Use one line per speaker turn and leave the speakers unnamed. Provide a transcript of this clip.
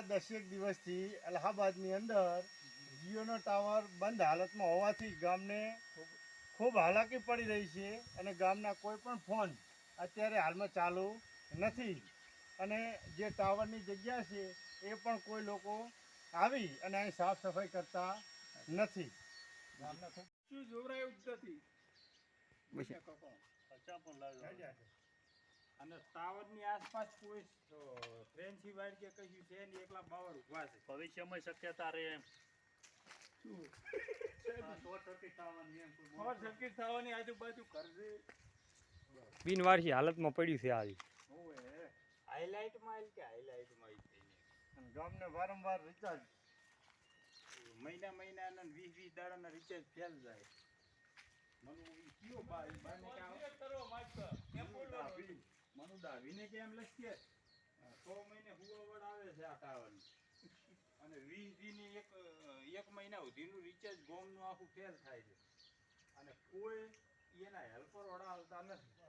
10 દિવસથી અલ્હાબાદની અંદર જીઓનો ટાવર બંધ હાલતમાં હોવાથી ગામને ખૂબ હાલાકી પડી રહી છે અને ગામના કોઈ પણ ફોન અત્યારે હાલમાં ચાલુ નથી અને જે ટાવરની જગ્યા છે એ પણ કોઈ લોકો આવી અને અહીં સાફ સફાઈ કરતા નથી. ગામના ખૂબ
શું જોવરાયું જ નથી અને ટાવરની આસપાસ કોઈ ફ્રેન્ચી વાડ કે કશું છે ને એકલા બાવળ ઉભા છે.
ભવિષ્યમાં શક્યતા રહે એમ
શું
શોર્ટ સર્કિટ થવાની એમ
શોર્ટ સર્કિટ થવાની આજુબાજુ ઘર છે.
બિનવારસી હાલતમાં પડ્યું છે આવી.
ઓય હાઇલાઇટમાં કે હાઇલાઇટમાં
અને ગામને વારંવાર રિચાર્જ
મહિનાના 20 દાડાના રિચાર્જ ફેલ જાય. મનુ દાવીને કે એમ લખીએ 100 મહિને હુવાવડ આવે છે આ ટાવરની અને 20 દીની એક મહિના સુધીનું રિચાર્જ ગોમનું આખું ફેલ થાય છે અને કોઈ એના હેલ્પર વડા આવતા નથી.